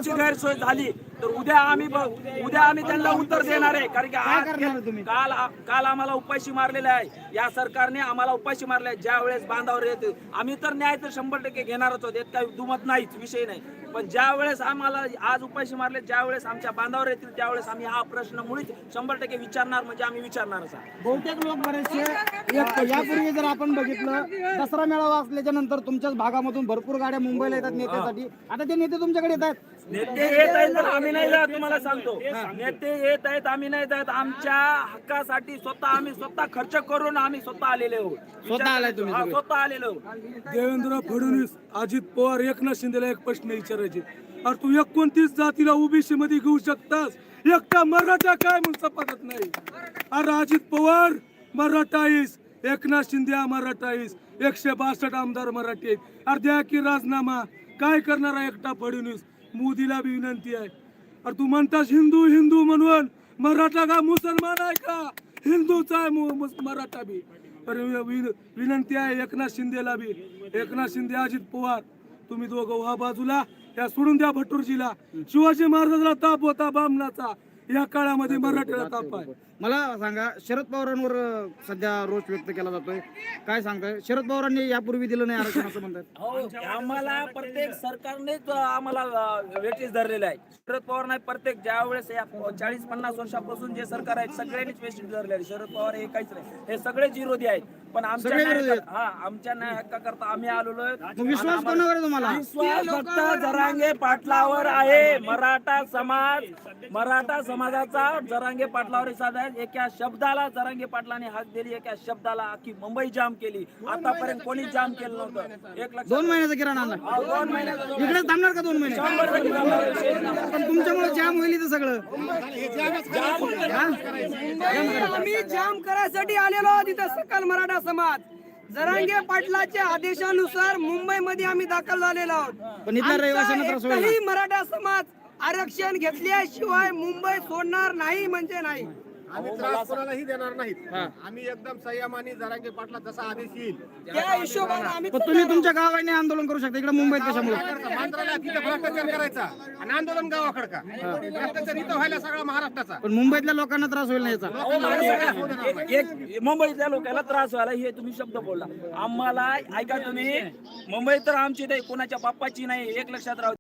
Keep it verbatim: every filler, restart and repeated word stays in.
आमची गैरसोय झाली तर उद्या आम्ही ब- उद्या आम्ही त्यांना उत्तर देणार आहे. कारण की आज काल काल आम्हाला उपाशी मारलेले आहे. या सरकारने आम्हाला उपाशी मारले आहे. ज्या वेळेस बांधावर येते आम्ही तर न्याय तर शंभर टक्के घेणारच होते, काही दुमत नाहीच, विषय नाही. पण ज्या वेळेस आम्हाला आज उपाशी मारले, ज्या वेळेस आमच्या बांधावर येतील त्यावेळेस आम्ही हा प्रश्न मुळीच शंभर टक्के विचारणार, म्हणजे आम्ही विचारणारच आहे. बहुतेक लोक बरेचसे एक- यापूर्वी जर आपण बघितलं दसरा मेळावा असल्याच्या नंतर तुमच्याच भागामधून भरपूर गाड्या मुंबईला येतात नेत्यासाठी. आता ते नेते तुमच्याकडे येत आहेत. नेते येत आहेत तर आम्ही नाही जात, तुम्हाला सांगतो. नेते येत आहेत, आम्ही नाही जात. आमच्या हक्कासाठी स्वतः आम्ही स्वतः खर्च करून आम्ही स्वतः आलेले आहोत. स्वतः आलाय तुम्ही हा, सगळे? स्वतः आलेलो आहोत. देवेंद्र फडणवीस, अजित पवार, एकनाथ शिंदेला एक प्रश्न विचारायचे. अरे तू एकोणतीस जातीला ओबीसी मध्ये घेऊ शकतास, एकटा मराठा काय म्हणून सपाटत नाही? अरे अजित पवार मराठा आहेस, एकनाथ शिंदे हा मराठा आहेस, एकशे बासष्ट आमदार मराठी आहेत. अरे द्या की राजीनामा. काय करणार आहे एकटा फडणवीस? मोदीला बी विनंती आहे. अरे तू म्हणतास हिंदू हिंदू म्हणून, मराठा का मुसलमान आहे का? हिंदूचा आहे मु- मुस- मराठा बी. अरे विन- विनंती आहे एकनाथ शिंदेला बी. एकनाथ शिंदे, अजित पवार, तुम्ही दोघं व्हा बाजूला, या सोडून द्या भटूरजीला. शिवाजी महाराजांना ताप होता बामणाचा, या काळामध्ये मराठीला ताप आहे. मला सांगा, शरद पवारांवर अं, सध्या रोष व्यक्त केला जातोय, काय सांगताय? शरद पवारांनी यापूर्वी दिलं नाही आरक्षण असं म्हणतात. हो, आम्हाला प्रत्येक सरकारनेच आम्हाला वेटीस धरलेलं आहे. शरद पवार नाही, प्रत्येक ज्या वेळेस या चाळीस पन्नास वर्षापासून जे सरकार आहेत सगळ्यांनीच वेटीस धरले आहे. शरद पवार हे काहीच नाही, हे सगळेच विरोधी आहेत. पण आमच्या सगळे विरोधी न्याय- हा आमच्या न्याय हक्काकरता आम्ही आलेलो आहे. मग विश्वास कोणावर आहे तुम्हाला? विश्वास फक्त जरांगे पाटलावर आहे. मराठा समाज, मराठा समाजाचा जरांगे पाटलावर विश्वास आहे. एका शब्दाला जरांगे पाटलाने हाक दिली, एका शब्दाला अख्खी मुंबई जाम केली. आतापर्यंत कोणी जाम केलं नव्हतं. एक लक्षात- दोन महिन्याचा किराणा आणला, हा, दोन महिन्याचा इकडे थांबणार का दोन महिने? शंभर टक्के जाणार विषय नाही. पण तुमच्यामुळे जाम होईल इथं सगळं. आम्ही जाम करायसाठी आलेलो आहोत इथं सकल मराठा समाज. जरांगे पाटलाच्या आदेशानुसार मुंबईमध्ये आम्ही दाखल झालेलो आहोत. पण इथल्या रहिवाशांना त्रास आमचा होईल ना? एकही मराठा समाज आरक्षण घेतल्याशिवाय मुंबई सोडणार नाही म्हणजे नाही. आम्ही त्रास कोणालाही देणार नाहीत. आम्ही एकदम संयमाने जरांगे पाटला जसा आदेश येईल त्या हिशोबाने आम्ही पण तुम्ही तुमच्या गावाने आंदोलन करू शकता, इकडे मुंबईत कशामुळे? मांजराला तिथे भ्रष्टाचार करायचा आणि आंदोलन गावाकडे का? भ्रष्टाचार इथं व्हायला सगळा महाराष्ट्राचा. पण मुंबईतल्या लोकांना त्रास होईल ना याचा? एक- एक मुंबईतल्या लोकांना त्रास व्हायला हे तुम्ही शब्द बोलला. आम्हाला ऐका तुम्ही, मुंबई तर आमची नाही, कोणाच्या बाप्पाची नाही, एक लक्षात राहू.